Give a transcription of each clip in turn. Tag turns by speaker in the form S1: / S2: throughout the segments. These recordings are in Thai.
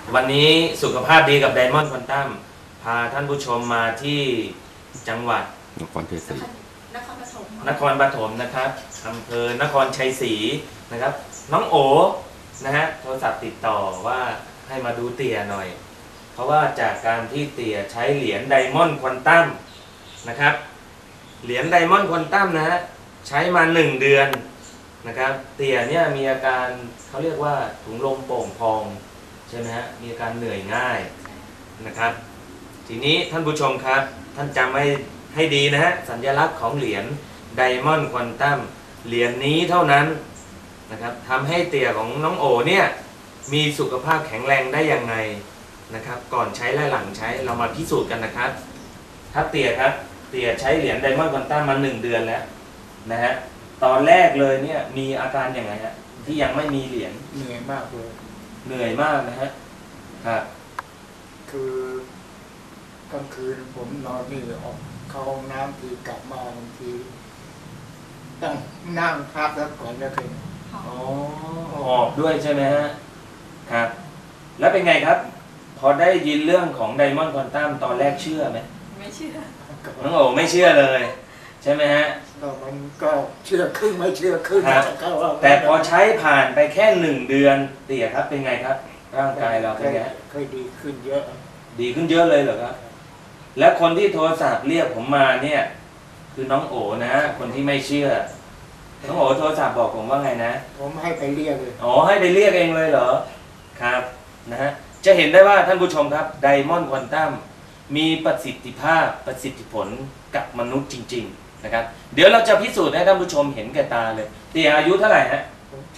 S1: วันนี้สุขภาพดีกับไดมอนด์ควอนตัมพาท่านผู้ชมมาที่จังหวัด
S2: นครเทศรี
S1: นครปฐมนะครับอำเภอนครชัยศรีนะครับน้องโอนะฮะโทรศัพท์ติดต่อว่าให้มาดูเตี่ยหน่อยเพราะว่าจากการที่เตี่ยใช้เหรียญไดมอนด์ควอนตัมนะครับเหรียญไดมอนด์ควอนตัมนะฮะใช้มา1 เดือนนะครับเตี่ยเนี่ยมีอาการเขาเรียกว่าถุงลมโป่งพองใช่ไหมฮะมีอาการเหนื่อยง่ายนะครับทีนี้ท่านผู้ชมครับท่านจำให้ดีนะฮะสัญลักษณ์ของเหรียญไดมอนด์ควอนตัมเหรียญนี้เท่านั้นนะครับทำให้เตี่ยของน้องโอเนี่ยมีสุขภาพแข็งแรงได้ยังไงนะครับก่อนใช้และหลังใช้เรามาพิสูจน์กันนะครับครับเตี่ยครับเตี่ยใช้เหรียญไดมอนด์ควอนตัมมา1 เดือนแล้วนะฮะตอนแรกเลยเนี่ยมีอาการยังไงฮะที่ยังไม่มีเหรียญ
S3: เหนื่อยมากเลย
S1: เหนื่อยมากนะฮะครับ
S3: คือกลางคืนผมนอนนี่ออกเข้าห้องน้ำทีกลับมาบางทีต้องนั่งพักแล้วก่อนแล้วคือ
S1: อ๋อหอบด้วยใช่ไหมฮะครับแล้วเป็นไงครับพอได้ยินเรื่องของไดมอนด์ควอนตัมตอนแรกเชื่อไหม
S4: ไม่เชื่อ
S1: น้องโอไม่เชื่อเลยใช่ไหมฮะ
S3: มันก็เชื่อครึ่งไม่เชื่อครึ่ง
S1: แต่พอใช้ผ่านไปแค่1 เดือนเตี่ยครับเป็นไงครับร่างกายเราเป็นไง
S3: เคยดีขึ้นเยอะ
S1: ดีขึ้นเยอะเลยเหรอครับและคนที่โทรศัพท์เรียกผมมาเนี่ยคือน้องโอนะคนที่ไม่เชื่อน้องโอโทรศัพท์บอกผมว่าไงนะ
S3: ผมให้ไปเรียกเลย
S1: อ๋อให้ไปเรียกเองเลยเหรอครับนะฮะจะเห็นได้ว่าท่านผู้ชมครับไดมอนด์ควอนตัมมีประสิทธิภาพประสิทธิผลกับมนุษย์จริงๆนะครับเดี๋ยวเราจะพิสูจน์ให้ท่านผู้ชมเห็นแก่ตาเลยเตี่ยอายุเท่าไหร่ฮะ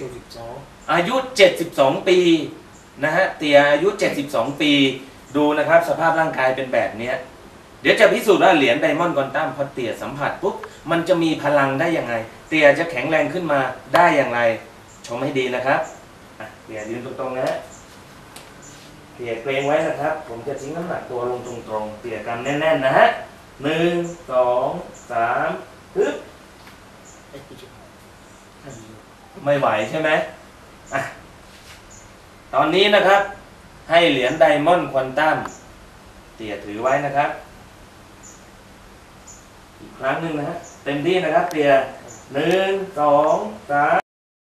S3: 72
S1: อายุ72 ปีนะฮะเตี่ยอายุ72 ปีดูนะครับสภาพร่างกายเป็นแบบนี้เดี๋ยวจะพิสูจน์ว่าเหรียญไดมอนด์ควอนตัมพอเตี่ยสัมผัสปุ๊บมันจะมีพลังได้ยังไงเตี่ยจะแข็งแรงขึ้นมาได้อย่างไรชมให้ดีนะครับเตี่ยยืนตรงๆนะฮะเตี่ยเกรงไว้นะครับผมจะทิ้งน้ำหนักตัวลงตรงๆเตี่ยกำแน่นๆนะฮะ1 2 3ปึ๊บไม่ไหวใช่ไหมตอนนี้นะครับให้เหรียญไดมอนด์ควอนตัมเตี่ยถือไว้นะครับอีกครั้งหนึ่งนะฮะเต็มที่นะครับเตี่ย1 2 3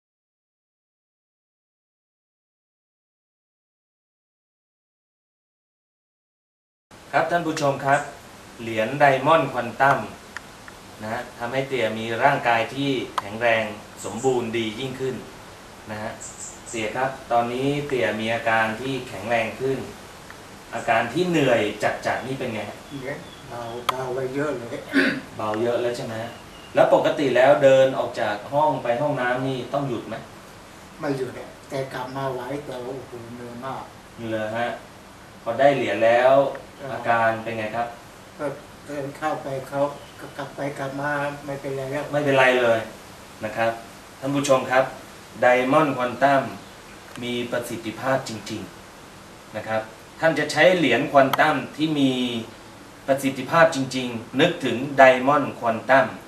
S1: ครับท่านผู้ชมครับเหรียญไดมอนด์ควอนตัมนะฮะทำให้เตี่ยมีร่างกายที่แข็งแรงสมบูรณ์ดียิ่งขึ้นนะฮะเตี่ยครับตอนนี้เตี่ยมีอาการที่แข็งแรงขึ้นอาการที่เหนื่อยจัดนี่เป็นไง
S3: เบาไปเยอะเลย
S1: เบาเยอะแล้วใช่ไหมแล้วปกติแล้วเดินออกจากห้องไปห้องน้ำนี่ต้องหยุดไหม
S3: ไม่หยุดแต่กลับมาไหวแต่โอ้โหเหนื่อยมาก
S1: เลยฮะพอได้เหรียญแล้วอาการเป็นไงครับ
S3: ก็เดินเข้าไปเขากลับไปกลับมาไม่เป็นไรแล้ว
S1: ไม่เป็นไรเลยนะครับท่านผู้ชมครับไดมอนด์ควอนตัมมีประสิทธิภาพจริงๆนะครับท่านจะใช้เหรียญควอนตัมที่มีประสิทธิภาพจริงๆนึกถึงไดมอนด์ควอนตัม